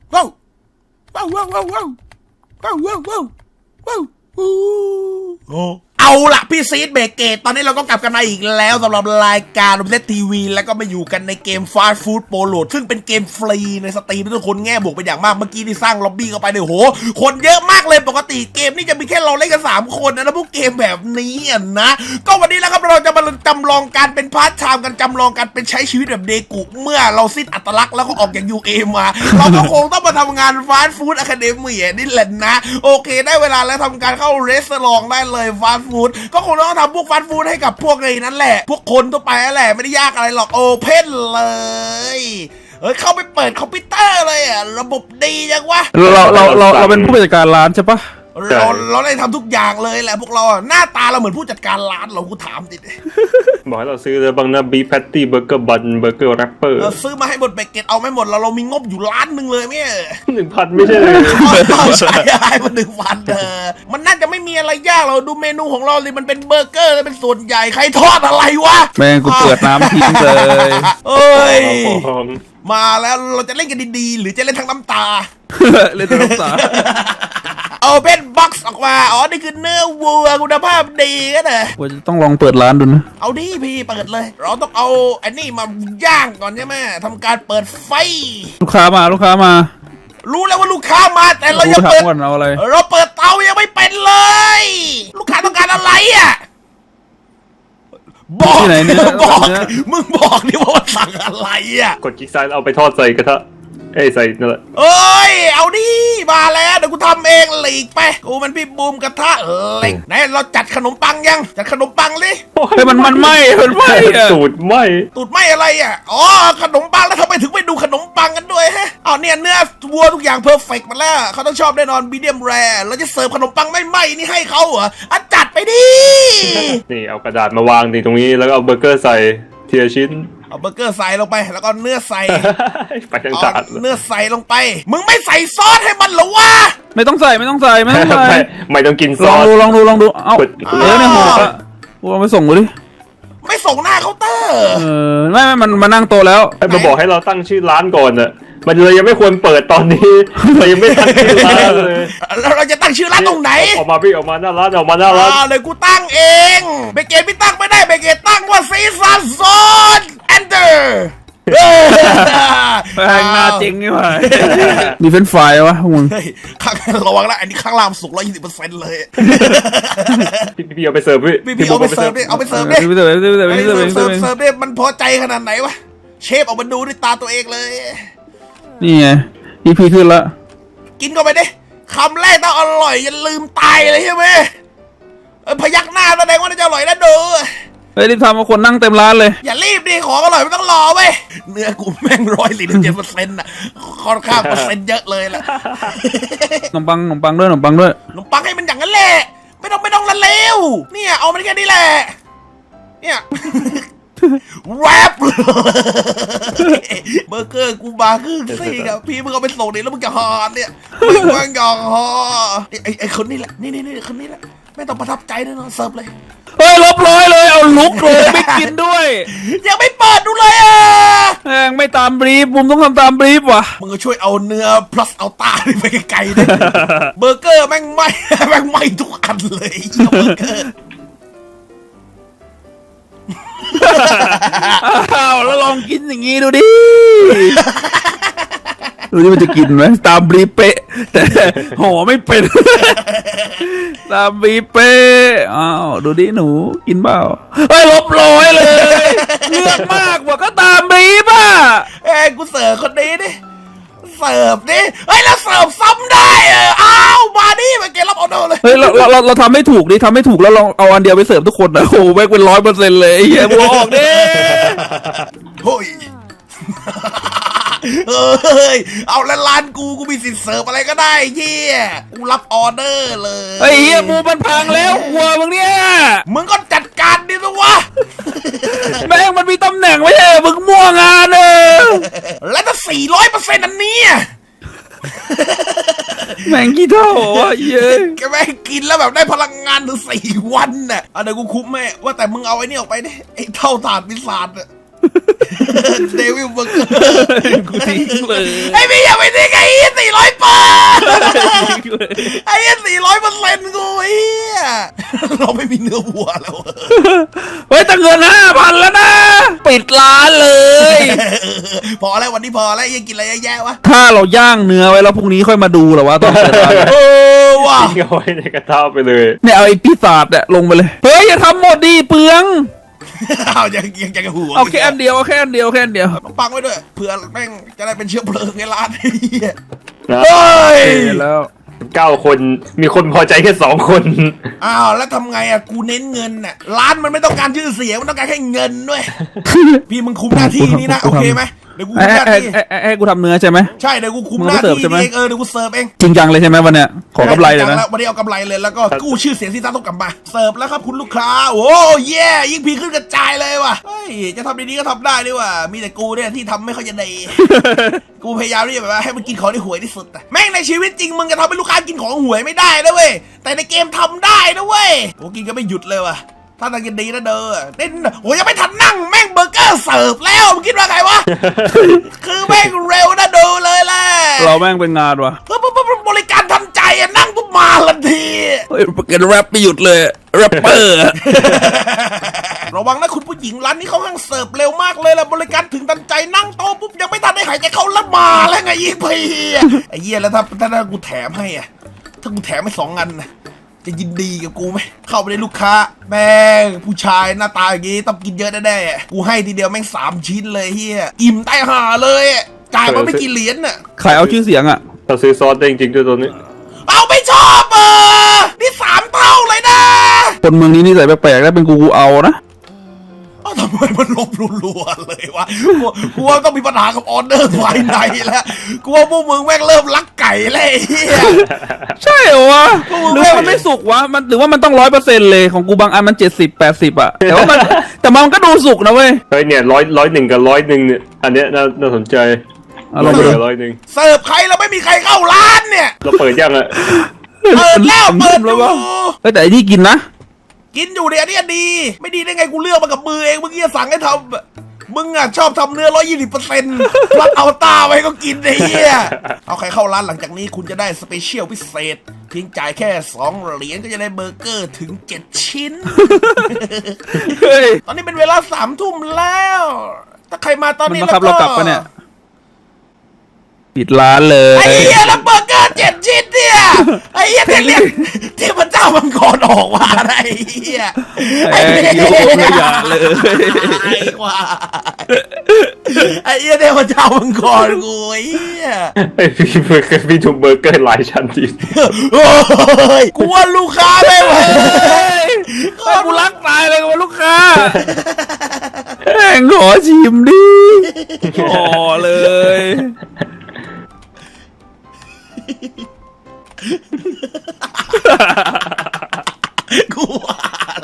ว้าวว้าวว้าวว้าวว้าวว้าวว้าวว้าวว้าวโอ้เอาละพี่ซีดเบรกเกตตอนนี้เราก็กลับกันมาอีกแล้วสำหรับรายการโรบินเซตทีวีแล้วก็มาอยู่กันในเกม Fast Food Polo ซึ่งเป็นเกมฟรีในสตรีมทุกคนแง่บวกไปอย่างมากเมื่อกี้ที่สร้างล็อบบี้เข้าไปเนี่ยโหคนเยอะมากเลยปกติเกมนี่จะมีแค่เราเล่นกัน3คนนะพวกเกมแบบนี้นะก็วันนี้แล้วครับเราจะมาจำลองการเป็นพาร์ทไทม์กันจำลองการเป็นใช้ชีวิตแบบเดกุเมื่อเราสิ้นอัตลักษณ์แล้วก็ออกจาก UA มาเราก็คงต้องมาทำงาน Fast Food Academy นี่แหละนะโอเคได้เวลาแล้วทำการเข้าเรสตอรองได้เลย Fast Food ก็คงต้องทำพวก Fast Food ให้กับพวกไอ้นั่นแหละพวกคนทั่วไปนั่นแหละไม่ได้ยากอะไรหรอกโอเพนเลยเข้าไปเปิดคอมพิวเตอร์เลยอ่ะระบบดีจังวะเราเป็นผู้จัดการร้านใช่ปะเราได้ทำทุกอย่างเลยแหละพวกเราหน้าตาเราเหมือนผู้จัดการร้านเรากูถามดิบอกให้เราซื้อเลยบางนะบีแพตตี้เบอร์เกอร์บันเบอร์เกอร์แรปเปอร์ซื้อมาให้หมดเบเกตเอาไม่หมดเรามีงบอยู่ล้านหนึ่งเลยเนี่ย 1,000ไม่ใช่เลยใช่มัน1,000มันน่าจะไม่มีอะไรยากเราดูเมนูของเราเลยมันเป็นเบอร์เกอร์แล้วเป็นส่วนใหญ่ใครทอดอะไรวะแม่งกูเปิดน้ำทิ้งเลยเอ้ยมาแล้วเราจะเล่นกันดีๆหรือจะเล่นทั้งน้ำตาเล่นทั้งน้ำตาเอาเป็นบ็อกซ์ออกมาอ๋อนี่คือเนื้อวัวคุณภาพดีก็ได้ว่าจะต้องลองเปิดร้านดูนะเอาดิพี่เปิดเลยเราต้องเอาอันนี้มาย่างก่อนใช่ไหมทำการเปิดไฟลูกค้ามารู้แล้วว่าลูกค้ามาแต่เรายังเปิดเราเปิดเตายังไม่เป็นเลยลูกค้าต้องการอะไรอ่ะบอกที่ไหนเนี่ยมึงบอกดิว่าสั่งอะไรอ่ะกดคลิกซ้ายเอาไปทอดใส่กระทะใส่นั่นแหละเอ้ยเอาดิมาแล้วเดี๋ยวกูทำเองหลีกไปกูมันพี่บูมกระทะเหล็กไหนเราจัดขนมปังยังจัดขนมปังดิเฮ้ยมันไหม้ตูดไหม้อะไรอ่ะอ๋อขนมปังแล้วทำไมถึงไปดูขนมปังกันด้วยฮะอ๋อเนี่ยเนื้อวัวทุกอย่างเพอร์เฟกต์มาแล้วเขาต้องชอบแน่นอนมีเดียมแรร์เราจะเสิร์ฟขนมปังไม่ไหม้นี่ให้เขาเหรออ่ะจัดไปดินี่เอากระดาษมาวางตรงนี้แล้วก็เอาเบอร์เกอร์ใส่เทียชิ้นเอาเบอร์เกอร์ใส่ลงไปแล้วก็เนื้อใส่ไปทั้งจานเนื้อใส่ลงไปมึงไม่ใส่ซอสให้มันหรอวะไม่ต้องใส่ไม่ต้องกินซอสลองดูเอาเนี่ยหัวเอาไปส่งกูดิไม่ส่งหน้าเคาน์เตอร์ไม่มันมานั่งโตแล้วมาบอกให้เราตั้งชื่อร้านก่อนอะมันเลยยังไม่ควรเปิดตอนนี้เรายังไม่ตั้งชื่อร้านเลยแล้วเราจะตั้งชื่อร้านตรงไหนออกมาหน้าร้านเลยกูตั้งเองเบเกตไม่ตั้งไม่ได้เบเกตตั้งว่าซีซันโซนแอนเดอร์แพงหน้าจริงนี่หว่ามีเฟรนช์ฟรายวะมึงข้างระวังนะอันนี้ข้างล่างสุก120%เลยพี่เอาไปเสิร์ฟพี่เอาไปเสิร์ฟดิเอาไปเสิร์ฟดิเสิร์ฟดิมันพอใจขนาดไหนวะเชฟออกมาดูด้วยตาตัวเองเลยนี่ไงEPขึ้นละกินเข้าไปดิคำแรกต้องอร่อยอย่าลืมตายเลยใช่ไหมพยักหน้าแสดงว่าจะอร่อยแล้วดูเฮ้ยรีบทำมาคนนั่งเต็มร้านเลยอย่ารีบดิของอร่อยไม่ต้องรอเว้ยเนื้อกูแม่ง147%น่ะค่อนข้างเปอร์เซ็นต์เยอะเลยล่ะขนมปังด้วยขนมปังให้มันอย่างนั้นแหละไม่ต้องละเลวเนี่ยเอามันแค่นี้แหละเนี่ยแรปเบอร์เกอร์กูมาครึ่งซี่ครับพี่มึงเอาไปส่งดิแล้วมึงจะหอนเนี่ยมึงจะหอไอ้คนนี้แหละนี่คนนี้แหละไม่ต้องประทับใจแน่นอนเสิร์ฟเลยเฮ้ยลบร้อยเลยเอาลุกเลยไม่กินด้วยยังไม่เปิดดูเลยอ่ะแม่งไม่ตามบรีฟผมต้องทำตามบรีฟว่ะมึงก็ช่วยเอาเนื้อ plus เอาตาไปไกลๆด้วยเบอร์เกอร์แม่งไหม้ทุกอันเลยเบอร์เกอร์อ้าวแล้วลองกินอย่างงี้ดูดิดูนี่มันจะกินไหมตามบรีเป๊ะแต่ห่อไม่เป็นตามบรีเป๊ะอ้าวดูดิหนูกินเปล่าเฮ้ยลบร้อยเลยเลือกมากกว่าก็ตามบรีป่ะกูเสิร์ฟคนนี้ดิเสิร์ฟดิเฮ้ยแล้วเสิร์ฟซ้ำได้อ้าวมาดิมาเกรับออเดอร์เลยเฮ้ยเราทำไม่ถูกดิทำไม่ถูกแล้วลองเอาอันเดียวไปเสิร์ฟทุกคนนะโอ้แม่งเป็น100%เลยเฮียบอกดิเฮ้ยเอาแล้วร้านกูมีสิทธิ์เสิร์ฟอะไรก็ได้เฮียกูรับออเดอร์เลยไอ้เฮียมูมันพังแล้วหัวมึงเนี่ยมึงก็จัดการดิสิวะแม่งมันมีตำแหน่งไม่ใช่มึงมั่วงานแล้วถ้า400%อันนี้แม่งกี่เท่าวะเย้แกแม่งกินแล้วแบบได้พลังงานถึง4 วันน่ะเดี๋ยวกูคุ้มแม่ว่าแต่มึงเอาไอ้นี่ออกไปดิไอ้เท่าถาดวิสาดเดวิลเบอร์เกอร์กูทิ้งเลยไอ้พี่อย่าไปทิ้งไอ้ไอ้เหี้ย400%กูไอ้เหี้ยเราไม่มีเนื้อวัวแล้วเฮ้ยตั้งเงิน5,000แล้วนะ ปิดร้านเลยพอแล้ววันนี้พอแล้วยังกินอะไรแย่ๆวะถ้าเราย่างเนื้อไว้แล้วพรุ่งนี้ค่อยมาดูเหรอวะตอนเปิดร้านเออว่ะทิ้งเอาไว้ในกระทะไปเลยเนี่ยเอาไอ้ปีศาจเนี่ยลงไปเลย เฮ้ยอย่าทำหมดดิเปลืองเอายังจะหัวเอาแค่อันเดียวเอาแค่อันเดียวแค่อันเดียวต้องปังไว้ด้วยเผื่อแม่งจะได้เป็นเชื้อเพลิงในร้านไอ้เหี้ยนะเฮ้ยแล้ว 9 คนมีคนพอใจแค่2 คนอ้าวแล้วทำไงอ่ะกูเน้นเงินน่ะร้านมันไม่ต้องการชื่อเสียงมันต้องการแค่เงินด้วย พี่มึงคุมหน้าที่นี้นะโอเคไหมเดี๋ยวกูคุมหน้าที่ให้กูทำเนื้อใช่ไหมใช่เดี๋ยวกูคุมมึงหก็น้าเสิร์ฟที่ใช่ไหมเองเดี๋ยวกูเสิร์ฟเองจริงจังเลยใช่ไหมวันเนี้ยขอกำไรเลยนะวันนี้เอากำไรเลยแล้วก็กู้ชื่อเสียงที่ซ่าต้องกลับมาเสิร์ฟแล้วครับคุณลูกค้าโอ้เย่ยิ่งพีขึ้นกระจายเลยว่ะเฮ้ยจะทำดีๆก็ทำได้ด้วยว่ะมีแต่กูเนี่ยที่ทำไม่ค่อยจะดี กูพยายามที่จะแบบว่าให้มันกินของที่ห่วยที่สุดอะแม่งในชีวิตจริงมึงจะทำให้ลูกค้ากินของห่วยไม่ได้นะเว้ยแต่ในเกมทำได้นะเว้ยโอ้กินก็ไม่หยุดเลยว่ะถ้าทางกินดีนะเด้อเด่นโอ้ยังไม่ทันนั่งแม่งเบอร์เกอร์เสิร์ฟแล้วมึงคิดว่าไงวะ คือแม่งเร็วนะดูเลยแหละเราแม่งเป็นงานวะบริการทันใจอะนั่งปุ๊บมาทันทีเฮ้ยเกินแรปไม่หยุดเลยแรปเปอร์ระวังนะคุณผู้หญิงร้านนี้เขาห้างเสิร์ฟเร็วมากเลยล่ะบริการถึงทันใจนั่งโต๊ะปุ๊บยังไม่ทันได้หายใจเขาละมาแล้วไงยี่พีไอ้เหี้ยแล้วถ้ากูแถมให้อะถ้ากูแถมให้2 อันนะจะยินดีกับกูไหมเข้าไปในลูกค้าแม่งผู้ชายหน้าตาอย่างงี้ต้องกินเยอะแน่ๆกูให้ทีเดียวแม่ง3 ชิ้นเลยเฮียอิ่มใต้ห่าเลยอะจ่ายมาไม่กี่เหรียญน่ะใครเอาชื่อเสียงอ่ะเราซื้อซอสได้จริงๆด้วยตัวนี้เอาไม่ชอบนี่3 เท่าเลยนะคนเมืองนี้นิสัยแปลกๆแล้วเป็นกูเอานะเอ้าทำไมมันลบรัวๆเลยวะกูว่าต้องมีปัญหากับออเดอร์ภายในแล้วกูว่าพวกมึงแม่งเริ่มลักไก่แล้วไอ้เฮียใช่เหรอวะหรือว่ามันไม่สุกวะมันหรือว่ามันต้อง100%เลยของกูบางอันมัน70-80อ่ะแต่ว่ามัน แต่มันก็ดูสุกนะเว้ยเฮ้ยเนี่ย101กับ101เนี่ยอันเนี้ยน่าสนใจเอาลองไปดู 101 เสิร์ฟใครแล้วไม่มีใครเข้าร้านเนี่ยเราเปิดยังอะเปิดแล้วเปิดอยู่เฮ้ยแต่ไอ้ที่กินนะกินอยู่เนี่ยอันนี้ดี ไม่ดีได้ไงกูเลือกมากับมือเองเมื่อกี้สั่งให้ทำมึงอ่ะชอบทำเนื้อ120%รัดเอาตาไว้ก็กินไอ้เหี้ยเอาใครเข้าร้านหลังจากนี้คุณจะได้สเปเชียลพิเศษเพียงจ่ายแค่2 เหรียญก็จะได้เบอร์เกอร์ถึง7 ชิ้นเฮ้ยตอนนี้เป็นเวลา3 ทุ่มแล้ว ถ้าใครมาตอนมันนี้มาแล้วขับก็เรากลับปะเนี่ยปิดร้านเลยไอ้เหี้ยแล้วเบอร์เกอร์7 ชิ้นเนี่ยไอ้เหี้ยเรียกเทพเจ้ามังกรออกมาไอ้เหี้ยไอ้โยกเลยอย่าเลยไอ้กว่าไอ้เหี้ยเทพเจ้ามังกรกูไอ้เหี้ยไอพี่ถูกเบอร์เกอร์หลายชั้นทีโอ้ยกูว่าลูกค้าไม่ไหวไอ้กูรักตายเลยกับลูกค้าแม่งขอชิมดิขอเลยกูว่าอะไร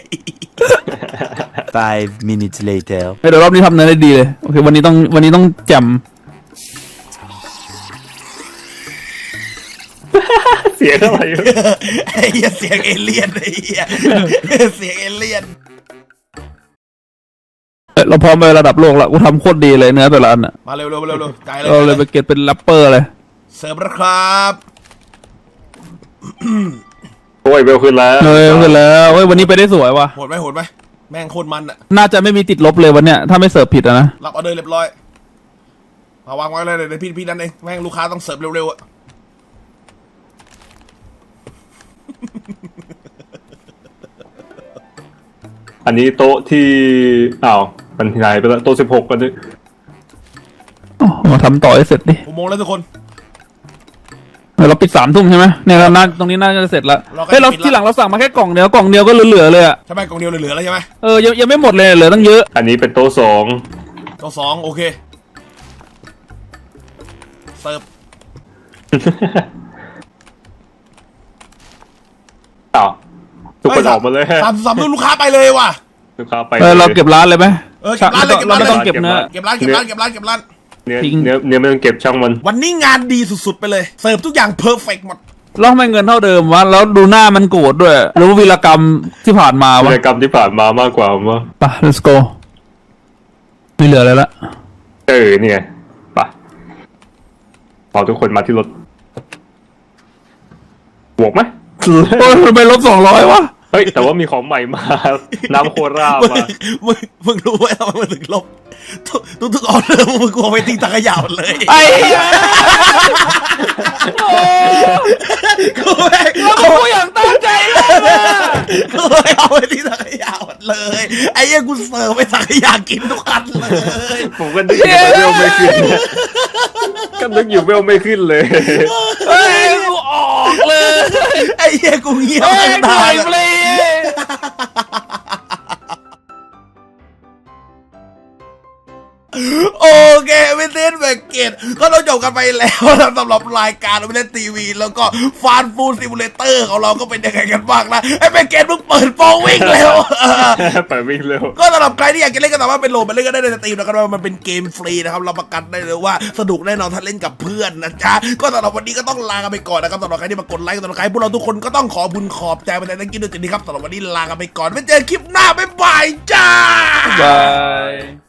5 minutes later. เดี๋ยวรอบนี้ทำเนื้อได้ดีเลยโอเควันนี้ต้องแจ่มเสียงอะไรวะไอ้เหี้ยเสียงเอเลี่ยนไอ้เหี้ยเสียงเอเลี่ยนเราพร้อมไประดับโลกแล้วกูทำโคตรดีเลยเนื้อแต่ละอันอ่ะมาเร็วจ่ายเลยเราเลยไปเก็ตเป็นแรปเปอร์เลยเสิร์ฟแล้วครับโอ้ยเบลขึ้นแล้วเฮ้ยขึ้นแล้วเฮ้ยวันนี้ไปได้สวยว่ะโหดไหมแม่งโคตรมันอะน่าจะไม่มีติดลบเลยวันเนี้ยถ้าไม่เสิร์ฟผิดอะนะรับออเดอร์เรียบร้อยมาวางไว้เลยเดี๋ยวพี่นั่นเองแม่งลูกค้าต้องเสิร์ฟเร็วๆอะอันนี้โต๊ะที่อ้าวมันหายไปแล้วโต๊ะ16กันดิมาทำต่อให้เสร็จดิ 6 โมงแล้วทุกคนเราปิด3 ทุ่มใช่ไหมเนี่ยเราน่าตรงนี้น่าจะเสร็จแล้วเราก็เฮ้ยเราปิดละที่หลังเราสั่งมาแค่กล่องเดียวก็เหลือๆเลยอะใช่ไหมกล่องเดียวเหลือๆแล้วใช่ไหมยังไม่หมดเลยเหลือตั้งเยอะอันนี้เป็นโต๊ะ2 ตัว2โอเคเสิร์ฟอ้าวทุกคนออกมาเลยสามลูกค้าไปเลยว่ะลูกค้าไปเราเก็บร้านเลยไหมเก็บร้านเลยเราไม่ต้องเก็บเนื้อเก็บร้านเนื้อทิ้งเนื้อไม่ต้องเก็บช่างมันวันนี้งานดีสุดๆไปเลยเสิร์ฟทุกอย่างเพอร์เฟกต์หมดแล้วทำไมเงินเท่าเดิมวะแล้วดูหน้ามันโกรธด้วยหรือว่าวีรกรรมที่ผ่านมาวะกิจกรรมที่ผ่านมามากกว่าผมว่าไป let's go ไม่เหลืออะไรละนี่ไงไปพอทุกคนมาที่รถบวกไหมโอ้ยทำไมลบ200วะเฮ้ยแต่ว่ามีของใหม่มา น้ำโครามามึงรู้ไหมทำไมมันถึงลบทุกออเดอร์มึงกลัวไปทิ้งถังขยะหมดเลยไอ้กูแม่งแล้วกูอย่างตั้งใจเลยอะกูไม่เอาไปที่ถังขยะหมดเลยไอ้เหี้ยกูเสิร์ฟไปถังขยะกินทุกคันเลยผมก็นึกอยู่เวลไม่ขึ้นก็นึกอยู่เวลไม่ขึ้นเลยเฮ้ยกูออกเลยไอ้เหี้ยกูเงียบเฮ้ยตั้งหน่นาอยนเลยโอเคไม่เต้นแบกเกตก็ต้องจบกันไปแล้วนะสำหรับรายการไม่เล่นทีวี แล้วก็ฟานฟูซิมูเลเตอร์ของเราก็เป็นยังไงกันบ้างนะไอ้แบกเกตมึงเปิดโปรวิ่งเร็วไปวิ่งเร็วก็สำหรับใครที่อยากจะเล่นก็สามารถไปโหลดมาเล่นก็ได้ในสตรีมนะครับว่ามันเป็นเกมฟรีนะครับเราประกันได้เลยว่าสนุกแน่นอนถ้าเล่นกับเพื่อนนะจ๊ะก็สำหรับวันนี้ก็ต้องลากันไปก่อนนะครับสำหรับใครที่มากดไลค์สำหรับใครพวกเราทุกคนก็ต้องขอบุญขอบใจไปในทั้งกินด้วยจริงๆครับสำหรับวันนี้ลากันไปก่อนไว้เจอคลิปหน้าบ๊ายบายจ้าบาย